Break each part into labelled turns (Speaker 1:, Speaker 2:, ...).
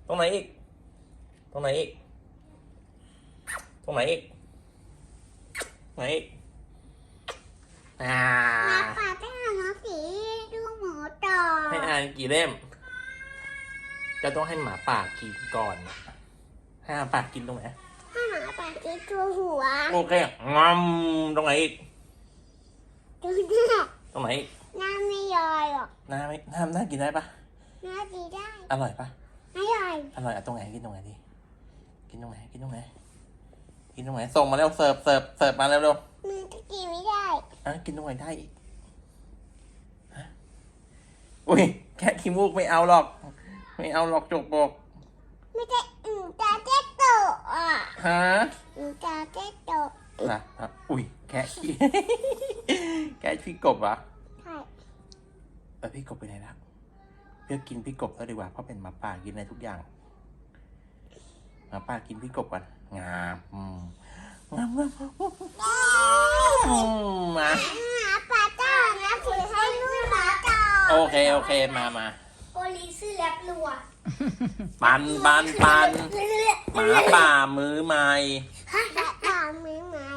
Speaker 1: ตรงไหนอีกตรงไหนอีกตรงไหนอีกไหนอีก
Speaker 2: หมาป่าต้องอ่านหนังสือดูหมูต่อ
Speaker 1: ให้อ่านกี่เล่มจะต้องให้หมาป่ากินก่อนให้หมาป่ากินตรงไหน
Speaker 2: ให้หมาป่ากินตัวหัว
Speaker 1: โอเคงอมตรงไหนอีก
Speaker 2: ดูหน้า
Speaker 1: ตรงไหนอีก
Speaker 2: หน้าไม่ย่อยหรอก
Speaker 1: หน้าไม่น่ากินได้ปะ
Speaker 2: หน้าดีได้
Speaker 1: อร่อยปะ
Speaker 2: อร่อย
Speaker 1: อ่ะตรงไหนกินตรงไหนดีกินตรงไหนกินตรงไหนกินตรงไหนส่งมาเร็วเสิร์ฟมาเร็ว
Speaker 2: มือก็กินไม่ได้
Speaker 1: กินตรงไหนได้อีกฮะอุ้ยแค่ขี้มูกไม่เอาหรอกจกบก
Speaker 2: ไม่ได้ตาเจ๊โตอ่ะ
Speaker 1: ฮะ
Speaker 2: ตาเจ๊โต
Speaker 1: นะอุ้ยแค่ขี้ แค่พี่กบเหรอ
Speaker 2: ใช่
Speaker 1: พี่กบไปไหนแล้วเพื่อกินพี่กบแล้วดีกว่าเพราะเป็นหมาป่ากินได้ทุกอย่างหมาป่ากินพี่กบกันงามมา
Speaker 2: หมาป่าต้องอ่านหนังสือให้ลูกหมาต่อ
Speaker 1: โอเคมา
Speaker 2: โอลิซื้อแลบรัว
Speaker 1: ปันหมาป่ามือใหม่
Speaker 2: หมาป่ามือใหม่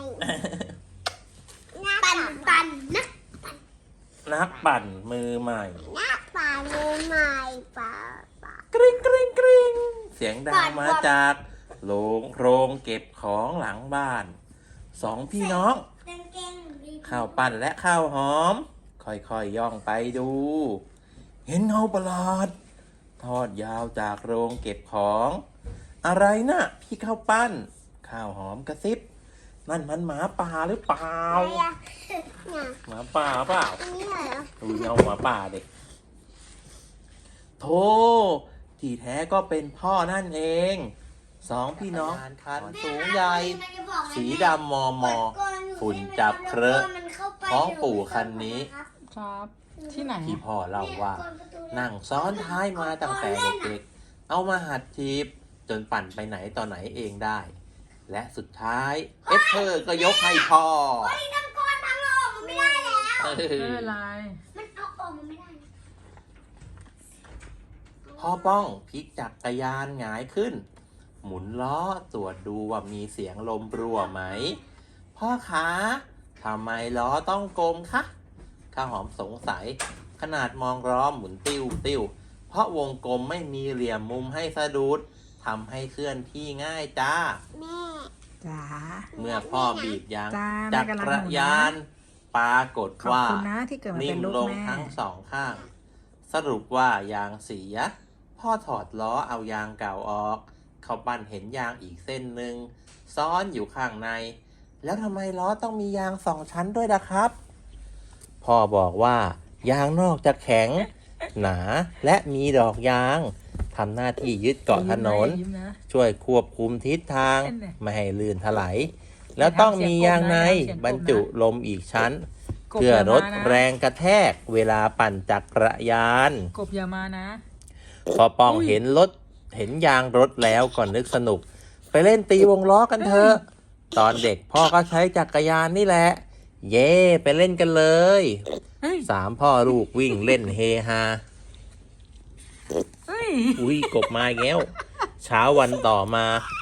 Speaker 2: ปั่น
Speaker 1: นักปั่นมือใหม่
Speaker 2: นักปั่นมือใหม่ป่
Speaker 1: ากริ๊งเสียงดังมาจากโรงเก็บของหลังบ้านสองพี่น้องข้าวปั่นและข้าวหอมค่อยย่องไปดูเห็นเงาประหลาดทอดยาวจากโรงเก็บของอะไรนะพี่ข้าวปั้นข้าวหอมกระซิบนั่นมันหมาป่าหรือเปล่าหมาป่าเปล่าดูเงาหมาป่าเด็กโธ่ที่แท้ก็เป็นพ่อนั่นเองสองพี่น้องคันสูงใหญ่สีดำมอฝุ่นจับเคราะห์ของปู่คันนี้
Speaker 3: ครับที่ไหน
Speaker 1: ที่พ่อเล่าว่านั่งซ้อนท้ายมาตั้งแต่เด็กๆเอามาหัดทีบจนปั่นไปไหนต่อไหนเองได้และสุดท้ายเอสเธอร์ก็ยกให้พ่อ
Speaker 2: น้ำก้อนทั้งโลกมันไม่ได้แล้ว
Speaker 3: ไม่เป็นไร
Speaker 2: มันเอาออกมันไม่ได้
Speaker 1: พ่อป้องพลิกจักรยานหงายขึ้นหมุนล้อตรวจดูว่ามีเสียงลมรั่วไหมพ่อขาทำไมล้อต้องกลมคะข้าวหอมสงสัยขนาดมองล้อหมุนติ้วเพราะวงกลมไม่มีเหลี่ยมมุมให้สะดุดทำให้เคลื่อนที่ง่ายจ้า
Speaker 2: แม่
Speaker 3: จ๋า
Speaker 1: เมื่อพ่อบีบยางจักรยานปรากฏว่านิ่มลงทั้งสองข้างสรุปว่ายางเสียพ่อถอดล้อเอายางเก่าออกเขาปั้นเห็นยางอีกเส้นหนึ่งซ้อนอยู่ข้างในแล้วทำไมล้อต้องมียางสองชั้นด้วยล่ะครับพ่อบอกว่ายางนอกจะแข็งหนาและมีดอกยางทำหน้าที่ยึดเกาะถนนช่วยควบคุมทิศทางไม่ให้ลื่นถลายแล้วต้องมียางในบรรจุลมอีกชั้นเพื่อลดแรงกระแทกเวลาปั่นจักรยาน
Speaker 3: กบอย่ามานะ
Speaker 1: พอป้องเห็นยางรถแล้วก็นึกสนุกไปเล่นตีวงล้อกันเถอะตอนเด็กพ่อก็ใช้จักรยานนี่แหละเย่ไปเล่นกันเลยสามพ่อลูกวิ่งเล่นเฮฮาอุ้ยกบมาแล้วเช้าวันต่อมา